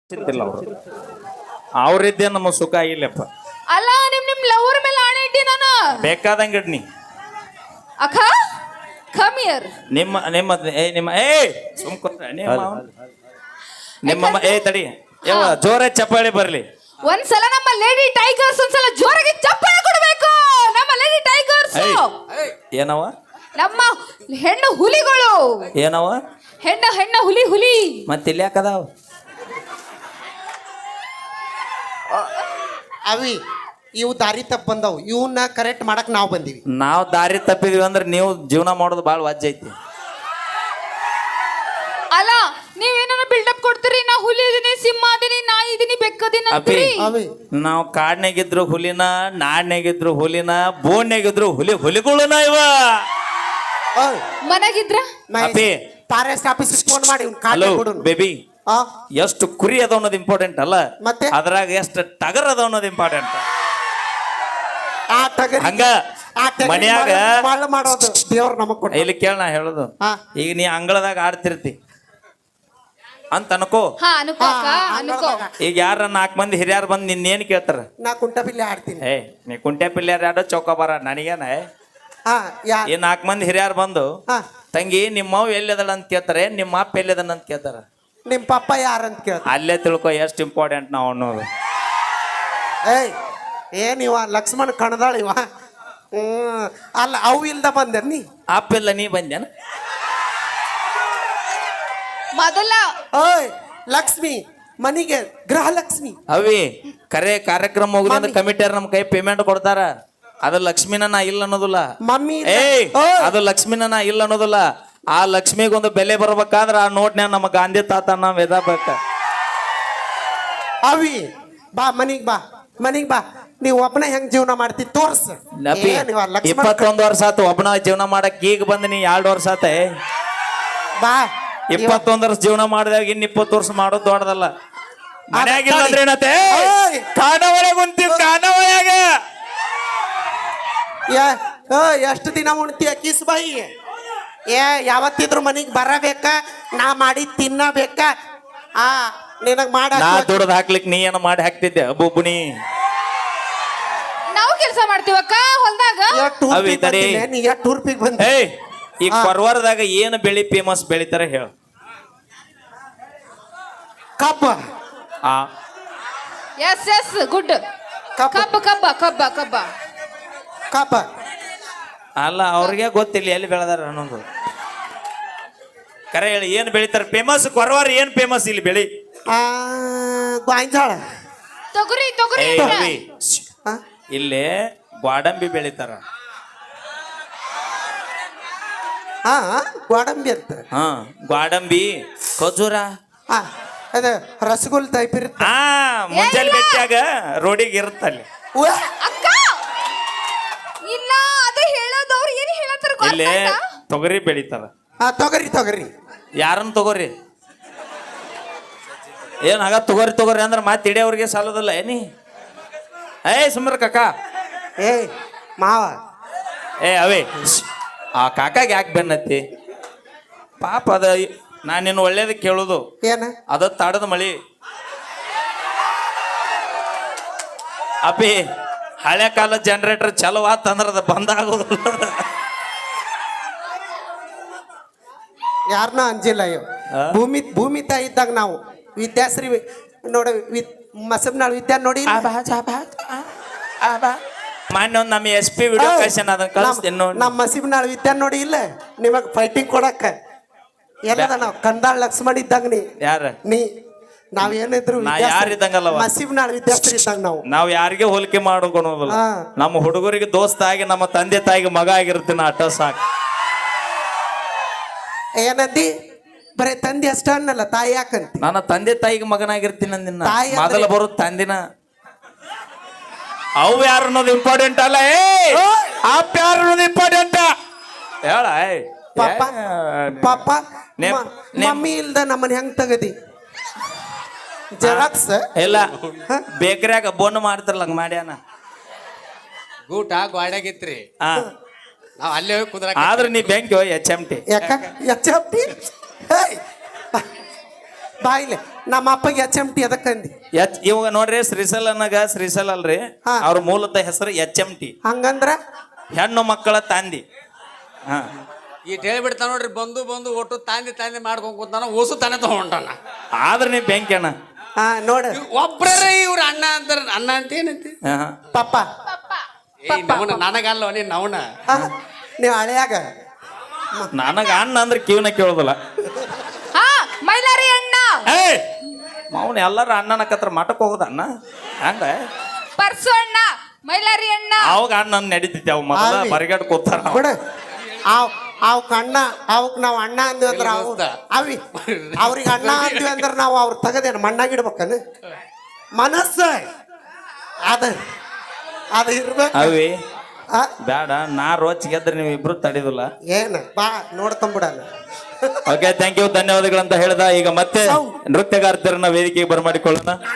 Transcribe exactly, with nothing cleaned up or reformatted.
ಚಿಂತಿಲ್ಲ ಅವರು ಅವ್ರಿದ್ದೇ ನಮ್ಮ ಸುಖ ಆಗಿಲ್ಲಪ್ಪ. ಅಲ್ಲ ನಿಮ್ ನಿಮ್ ಲವರ್ ಮೇಲೆ ಆಣೆ ಇಟ್ಟಿ ನಾನು ಬೇಕಾದಂಗ ಇಡ್ನಿ ಅಕ್ಕ ಕಮ್ ಹಿಯರ್ ನಿಮ್ಮ ನಿಮ್ಮ ಏ ನಿಮ್ಮ ಏ ಸುಮ್ಕೊಂಡ್ರೆ ನಿಮ್ಮ ನಿಮ್ಮ ಏ ತಡಿ ಯಾವ ಜೋರ ಚಪ್ಪಾಳಿ ಬರ್ಲಿ. ಒಂದ್ಸಲ ನಮ್ಮ ಲೇಡಿ ಟೈಗರ್ಸ್ ಒಂದ್ಸಲ ಜೋರಾಗಿ ಚಪ್ಪಾಳೆ ಕೊಡಬೇಕು. ನಮ್ಮ ಲೇಡಿ ಟೈಗರ್ಸ್ ಏನವ ನಮ್ಮ ಹೆಣ್ಣು ಹುಲಿಗಳು ಏನವ ಹೆಣ್ಣು ಹೆಣ್ಣು ಹುಲಿ ಹುಲಿ ಮತ್ತೆ ಇಲ್ಲಿ ಯಾಕದಾವ ಅವಿ ಇವು ದಾರಿ ತಪ್ಪ ಬಂದವು. ಇವನ್ನ ಕರೆಕ್ಟ್ ಮಾಡಕ್ ನಾವು ಬಂದೀವಿ. ನಾವು ದಾರಿ ತಪ್ಪಿದ್ವಿ ಅಂದ್ರೆ ನೀವು ಜೀವನ ಮಾಡೋದು ಭಾಳ ವಜ್ಜ ಐತಿ. ಅಲ್ಲ ನೀವೇನಾರ ಬಿಲ್ಡಪ್ ಕೊಡ್ತೀರಿ. ನಾ ಹುಲಿ ಇದೀನಿ, ಸಿಂಹ ಇದೀನಿ, ನಾಯಿ ಇದೀನಿ, ಬೆಕ್ಕದಿನ ಅಪ್ಪಿ ಅವಿ ನಾವು ಕಾಡ್ನಾಗಿದ್ರು ಹುಲಿನ, ನಾಡ್ನಾಗಿದ್ರು ಹುಲಿನ, ಬೋನ್ಯಾಗಿದ್ರು ಹುಲಿ ಹುಲಿಗಳನ ಇವ. ಓಯ್, ಮನೆಗಿದ್ರ ಅಪ್ಪಿ ಫಾರೆಸ್ಟ್ ಆಫೀಸ್ ಫೋನ್ ಮಾಡಿ ಇವ್ನ ಕಾಲ್ ಹಲೋ ಕೊಡು. ಬೇಬಿ ಆ, ಎಷ್ಟು ಕುರಿ ಅದ ಅನ್ನೋದು ಇಂಪಾರ್ಟೆಂಟ್ ಅಲ್ಲ, ಮತ್ತೆ? ಅದ್ರಾಗ ಎಷ್ಟು ಟಗರ್ ಅದ ಅನ್ನೋದು ಇಂಪಾರ್ಟೆಂಟ್. ಆ ಟಗರಿ ಹಂಗ ಆ ಟಗರಿ ಮನ್ಯಾಗ ಮಳ್ಳ- ಮಳ್ಳ ಮಾಡೋದು ದೇವ್ರ ನಮಗ್ ಕೊಟ್ಟ. ಇಲ್ಲಿ ಕೇಳ ನಾ ಹೇಳುದು. ಹಾ. ಈಗ ನೀ ಅಂಗಳದಾಗ ಆಡ್ತಿರ್ತಿ ಅಂತ ಅನ್ಕೋ. ಹಾ ಅನ್ಕೋ ಅಕ್ಕ, ಅನ್ಕೋ. ಈಗ ಯಾರ ನಾಲ್ಕು ಮಂದಿ ಹಿರಿಯರು ಬಂದು ನಿನ್ನೇನು ಕೇಳ್ತಾರ? ನಾ ಕುಂಟಬಿಲ್ಲೆ ಆಡ್ತೀನಿ. ಏ ನೀ ಕುಂಟೆ ಪಿಲ್ಯಾರ ಆಡೋ ಚೌಕಾಬಾರ ನನಗೇನ. ಹಾ ಯಾ ಈ ನಾಲ್ಕು ಮಂದಿ ಹಿರಿಯರು ಬಂದು ಹಾ ತಂಗಿ ನಿಮ್ಮ ಅವ್ವ ಎಲ್ಲಿದಳ ಅಂತ ಕೇಳ್ತಾರೆ, ನಿಮ್ಮ ಅಪ್ಪ ಎಲ್ಲಿದನ ಅಂತ ಕೇಳ್ತಾರ. ನಿಮ್ ಪಪ್ಪ ಯಾರಂತ ಕೇಳ್ತ. ಅಲ್ಲೇ ತಿಳ್ಕೊ ಎಷ್ಟು ಇಂಪಾರ್ಟೆಂಟ್ ನಾವು ಅನ್ನೋದು. ಏಯ್ ಏನ್ ಇವ ಲಕ್ಷ್ಮಣ ಕಣದಾಳ ಇವ. ಹ್ಮ್ ಅಲ್ಲ ಅವು ಇಲ್ದ ಬಂದೆ ನೀ. ಅಪ್ಪ ಇಲ್ಲ ನೀ ಬಂದ್ಯಾನ? ಮೊದಲ ಓಯ್ ಲಕ್ಷ್ಮಿ ಮನಿಗೆ ಗೃಹಲಕ್ಷ್ಮಿ. ಅವಿ ಕರೆ ಕಾರ್ಯಕ್ರಮ ಮುಗಿದ್ರೆ ಕಮಿಟಿಯರ್ ನಮ್ ಕೈ ಪೇಮೆಂಟ್ ಕೊಡ್ತಾರ. ಅದು ಲಕ್ಷ್ಮಿನ ನಾ ಇಲ್ಲ ಅನ್ನೋದಿಲ್ಲ. ಮಮ್ಮಿ ಇಲ್ಲ. ಏಯ್ ಓಯ್. ಅದು ಲಕ್ಷ್ಮಿನ ನಾ ಇಲ್ಲ ಅನ್ನೋದಿಲ್ಲ. ಆ ಲಕ್ಷ್ಮಿಗೊಂದು ಬೆಲೆ ಬರ್ಬೇಕಾದ್ರ ಆ ನೋಟ್ನ್ಯಾಗ ನಮ್ಮ ಗಾಂಧಿ ತಾತ ನಾವ್ ಎದಬೇಕ. ಅವಿ ಬಾ ಮನಿಗ್ ಬಾ ಮನಿಗ್ ಬಾ. ನೀವ್ ಒಬ್ಬನ ಹೆಂಗ್ ಜೀವನ ಮಾಡ್ತಿ ತೋರ್ಸ. ನಪಿ ಏನ್ ಇವ ಲಕ್ಷ್ಮಣ ಇಪ್ಪತ್ತೊಂದು ವರ್ಷ ಆತು ಒಬ್ಬನ ಜೀವನ ಮಾಡಕ್. ಈಗ ಬಂದ್ ನೀ ಎರಡು ವರ್ಷ ಆತ. ಬಾ ಇಪ್ಪತ್ತೊಂದು ವರ್ಷ ಜೀವನ ಮಾಡಿದಾಗ ಇನ್ ಇಪ್ಪತ್ತು ವರ್ಷ ಮಾಡೋದು ದೊಡ್ಡದಲ್ಲ. ಮನ್ಯಾಗಿಲ್ಲ ಅಂದ್ರೆ ಏನತ್ತೆ? ಓಯ್. ಕಾನ ಒಳಗ ಕುಂತೀವಿ, ಕಾನ ಒಳಗ. ಎಷ್ಟು ದಿನ ಉಣ್ತೀಯ ಕಿಸ್ ಬಾಯಿ? ಏ ಯಾವತ್ತಿದ್ರು ಮನಿಗ್ ಬರಬೇಕ, ನಾ ಮಾಡಿ ತಿನ್ನಬೇಕ. ಆ ನಿನಗ್ ಮಾಡ ನಾ ದುಡ್ದು ಹಾಕ್ಲಿಕ್ ನೀ ಏನ ಮಾಡಿ ಹಾಕ್ತಿದ್ದೆ ಬುಬ್ಬುಣಿ. ನಾವು ಕೆಲಸ ಮಾಡ್ತೀವಕ್ಕ ಹೊಲ್ದಾಗ. ಅವಿ ತಡಿ. ನೀ ಎಷ್ಟು ಟೂರ್ಪಿಗೆ ಬಂದ? ಏಯ್ ಈ ಕೊರವಾರದಾಗ ಏನು ಬೆಳಿ ಫೇಮಸ್ ಬೆಳಿತಾರ ಹೇಳ? ಕಬ್ಬ ಆ ಎಸ್ ಎಸ್ ಗುಡ್. ಕಬ್ಬ ಕಬ್ಬ ಕಬ್ಬ ಕಬ್ಬ ಕಬ್ಬ ಕಬ್ಬ ಅಲ್ಲ ಅವ್ರಿಗೆ ಗೊತ್ತಿಲ್ಲ ಎಲ್ಲಿ ಬೆಳೆದಾರ ಅನ್ನೋದು. ಕರೆ ಹೇಳಿ ಏನ್ ಬೆಳಿತಾರ ಫೇಮಸ್? ಕೊರವಾರ ಏನ್ ಫೇಮಸ್ ಇಲ್ಲಿ ಬೆಳಿ? ಆ ಗಾಂಜಾಳ. ತೊಗರಿ ತೊಗರಿ ಏಯ್ ಇದ್ರ. ಅವಿ, ಆ, ಇಲ್ಲಿ ಗ್ವಾಡಂಬಿ ಬೆಳಿತಾರ. ಆ ಗೋಡಂಬಿ ಅಂತ. ಹಾ ಗ್ವಾಡಂಬಿ, ಖಜೂರ. ಆ ಅದ ರಸಗುಲ್ ಟೈಪ್ ಇರುತ್ತೆ. ಹಾ ಮುಂಜಾನೆ ಬೆಟ್ಟಾಗ ರೋಡಿಗೆ ಇರುತ್ತಲ್ಲಿ. ಉವ್ವ. ಅಕ್ಕ ಇಲ್ಲ ಅದೇ ಹೇಳೋದವ್ರು ಏನ್ ಹೇಳತ್ತಾರ ಇಲ್ಲಿ ಗೊತ್ತಾಯ್ತಾ? ತೊಗರಿ ಬೆಳಿತಾರ. ಆ ತೊಗರಿ ತೊಗರಿ ಯಾರನ್ನ ತಗೋರಿ? ಏನ್ ಆಗ ತಗೋರಿ ತಗೋರಿ ಅಂದ್ರೆ ಮತ್ತೆ ಇಡೀ ಅವ್ರಿಗೆ ಸಾಲೋದಿಲ್ಲ ಏನಿ? ಏಯ್ ಸುಮ್ರ ಕಾಕ. ಏ ಮಾವ ಏ ಅವೇ ಆ ಕಾಕಾಗ ಯಾಕೆ ಬೆನ್ನತ್ತಿ? ಪಾಪ ಅದ ನಾನು ನಿನ್ನ ಒಳ್ಳೇದ ಕೇಳೋದು. ಏನ ಅದ ತಾಡದ ಮಳಿ. ಅಪ್ಪಿ ಹಳೆ ಕಾಲ ಜನರೇಟರ್ ಚಲೋ ಆತಂದ್ರ ಅದ ಬಂದ್ ಆಗೋದಿಲ್ಲ. ಯಾರನ್ನ ಅಂಜಿಲ್ಲ ಇವ್ ಆ? ಭೂಮಿ ಭೂಮಿ ತಾಯಿ ಇದ್ದಾಗ ನಾವು ವಿದ್ಯಾಶ್ರೀ ವಿ- ನೋಡ ವಿದ್ ಮಸಬ್ನಾಳ್ ವಿದ್ಯಾ ನೋಡಿ. ಮಾನ್ಯ ಒಂದು ನಮ್ಮ ಎಸ್ ಪಿ ವಿಡಿಯೋ ಕಳ್ಸ್ಯಾನ, ಅದನ್ನ ಕಳಿಸ್ತೀನಿ ನೋಡಿ. ನಮ್ಮ ಮಸೀಬ್ನಾಳ್ ವಿದ್ಯಾ ನೋಡಿ ಇಲ್ಲ ನಿಮಗ್ ಫೈಟಿಂಗ್ ಕೊಡಕ್ಕ. ಎಲ್ಲದ ನಾವು ಕಂದಾಳ್ ಲಕ್ಷ್ಮಣ ಇದ್ದಾಗ ನೀ ಯಾರ ನೀ ನಾವ್ ಏನಿದ್ರು ನಾ ಯಾರ್ ಇದ್ದಂಗಲ್ಲವ? ಮಸೀಬ್ನಾಳ್ ವಿದ್ಯಾಶ್ರೀ ಇದ್ದಾಗ ನಾವು ನಾವ್ ಯಾರಿಗೆ ಹೋಲಿಕೆ ಮಾಡ್ಕೊಳೋದಿಲ್ಲ. ಹಾ. ನಮ್ಮ ಹುಡುಗರಿಗೆ ದೋಸ್ತ ಆಗಿ ನಮ್ಮ ತಂದೆ ತಾಯಿಗೆ ಮಗ ಆಗಿರ್ತೀನಿ ಅಟ್ಟ ಸಾಕು. ಏನಂದಿ? ಬರೇ ತಂದೆ ಅಷ್ಟ ಅನ್ನಲ್ಲ, ತಾಯಿ ಯಾಕಂತ. ನನ್ನ ತಂದೆ ತಾಯಿಗೆ ಮಗನಾಗಿರ್ತೀನಿ ಅಂದಿನ. ತಾಯಿ ಅಂದ್ರೆ- ಮೊದಲ ಬರೋದು ತಂದಿನ. ಅವು ಯಾರು ಅನ್ನೋದು ಇಂಪಾರ್ಟೆಂಟ್ ಅಲ್ಲ. ಏ ಅಪ್ಪ ಯಾರು ಅನ್ನೋದು ಇಂಪಾರ್ಟೆಂಟ್ ಹೇಳ. ಏಯ್ ಪಾಪ ಪಾಪ ನೇಮ್- ಮ- ನೇಮ್- ಮಮ್ಮಿ ಇಲ್ದ ನಮ್ಮನ್ನ ಹೆಂಗ್ ತಗದಿ? ಜೆರಾಕ್ಸ್ ಇಲ್ಲ ಬೇಕರಿಯಾಗ ಬೋನ್ ಮಾಡ್ತಾರಲ್ಲ ಹಂಗ ಮಾಡ್ಯಾನ. ಗೂಟ ಗೋಡೆಗಿತ್ರಿ ಹಾ ನಾವ್ ಅಲ್ಲೇ ಹೋಗಿ ಕುಂದ್ರ ಆದ್ರೆ ನೀ ಬ್ಯಾಂಕ್ ಎಚ್ ಎಂ ಟಿ ಯಾಕ ಎಚ್ ಎಫ್ ಟಿ ಬಾಯಿಲೆ ನಮ್ಮ ಅಪ್ಪಗೆ ಎಚ್ ಎಂ ಟಿ ಅದಕ್ಕಂದಿ ಎಚ್ ಇವಾಗ ನೋಡ್ರಿ ಶ್ರೀಶೈಲ್ ಅನ್ನಗ ಶ್ರೀಶೈಲ್ ಅಲ್ರಿ ಹಾ. ಅವ್ರ ಮೂಲತಃ ಹೆಸರು ಎಚ್ ಎಂ ಟಿ, ಹಂಗಂದ್ರ ಹೆಣ್ಣು ಮಕ್ಕಳ ತಂದಿ. ಹಾ ಈ ಹೇಳ್ಬಿಡ್ತಾನ ನೋಡ್ರಿ, ಬಂದು ಬಂದು ಒಟ್ಟು ತಾಂದಿ ತಾಂದಿ ಮಾಡ್ಕೊಂಡ್ ಕೂತಾನ, ಓಸು ತಾನೇ ತಗೊಂಡಾನ. ಆದ್ರೆ ನೀ ಬೆಂಕಿ ಅಣ್ಣ. ಹಾ ನೋಡ ಒಬ್ರೇ ಇವ್ರ ಅಣ್ಣ ಅಂತಾರ. ಅಣ್ಣ ಅಂತ ಏನಂತಿ? ಹಾ, ಹಾ. ಪಪ್ಪ ಏ ನವನ ನನಗಲ್ಲ ನೀನ್ ನವನ. ಹಾ, ನೀವು ಹಳೆಯಾಗ ನನಗ ಅಣ್ಣ ಅಂದ್ರೆ ಕಿವಿನ ಕೇಳೋದಿಲ್ಲ. ಹಾ ಮೈಲಾರಿ ಅಣ್ಣ, ಏಯ್ ಅವನು ಎಲ್ಲಾರು ಅಣ್ಣನ ಕತ್ರ ಮಠಕ್ಕೆ ಹೋಗೋದ ಅಣ್ಣ ಹಂಗ ಪರ್ಸು ಅಣ್ಣ, ಮೈಲಾರಿ ಅಣ್ಣ. ಅವಾಗ ಅಣ್ಣ ನಡೀತೈತಿ ಅವ್ ಮೊದಲ ಆವಿ. ಬರಿಗಾಡ್ ಕೂತಾರ ಅವ. ಬಿಡ ಅವ್ ಅವಕ್ ಅಣ್ಣ ಅವಕ್ ನಾವ್ ಅಣ್ಣ ಅಂದ್ವಿ ಅಂದ್ರ ಅವ್ ಅವಿ ಅವ್ರಿಗೆ ಅಣ್ಣ ಅಂದ್ವಿ ಅಂದ್ರ ನಾವು ಅವ್ರ ತಗದೇನು ಮಣ್ಣಾಗಿಡ್ಬೇಕನ ಮನಸ್ಸ ಅದ ಅದ ಇರ್ಬೇಕು. ಅವಿ ಆ, ಬೇಡ ನಾ ರೋಚ್ ಗೆದ್ರೆ ನೀವು ಇಬ್ರು ತಡಿದಿಲ್ಲ. ಏನ ಬಾ ನೋಡ್ಕೊಂಬಿಡಣ. ಓಕೆ ಥ್ಯಾಂಕ್ ಯು ಧನ್ಯವಾದಗಳಂತ ಹೇಳ್ದ ಈಗ ಮತ್ತೆ ನೃತ್ಯಗಾರ್ತಿಯರನ್ನ ವೇದಿಕೆಗೆ ಬರಮಾಡಿಕೊಳ್ಳೋಣ.